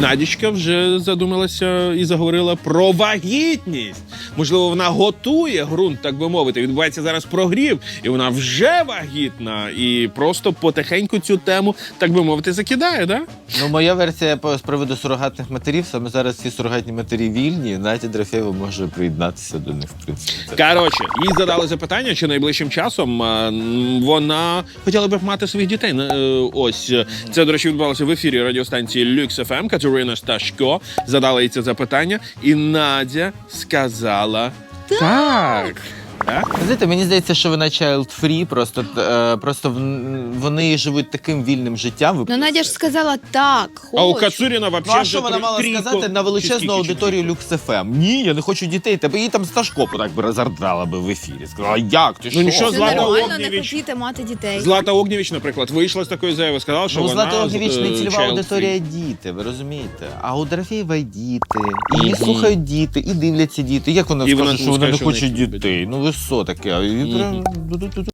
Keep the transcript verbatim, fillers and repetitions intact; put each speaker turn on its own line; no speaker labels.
Надічка вже задумалася і заговорила про вагітність. Можливо, вона готує ґрунт, так би мовити. Відбувається зараз прогрів, і вона вже вагітна. І просто потихеньку цю тему, так би мовити, закидає, да?
Ну, моя версія по- з приводу сурогатних матерів. Саме зараз ці сурогатні матері вільні. Надя Дорофєєва може приєднатися до них, в принципі. Це-
Коротше, їй задали запитання, чи найближчим часом е, м, вона хотіла б мати своїх дітей. Е, Ось, е, це, до речі, відбувалося в ефірі радіостанції Люкс еф ем. Катерина Сташко задала їй це запитання, і Надя сказала так. Так?
Знаєте, мені здається, що вона child-free, просто, е, просто в- вони живуть таким вільним життям.
Ну, Надя ж сказала так,
А у
хочу.
Кацуріна
Ну,
взагалі
а що вона мала сказати на величезну аудиторію Люкс еф ем? Ні, я не хочу дітей. Тебе її там Сташко так би розгардала би в ефірі. Сказала, як ти
Ну,
що?
нічого,
Це
Злата
нормально не
Огнєвіч.
хотіти мати дітей.
Злата Огнєвіч, наприклад, вийшла з такої заяви, сказала, що
Ну, у
вона...
Злати Огнєвіч не
е,
цільова
child-free.
аудиторія діти, ви розумієте? А у Дорофєєва й діти. І її слухають діти, і дивляться діти. Як вона
І вона
скаже, що вона
скаже,
не
що
хоче
вона їх любить.
дітей? Ну ви що таке? І прям...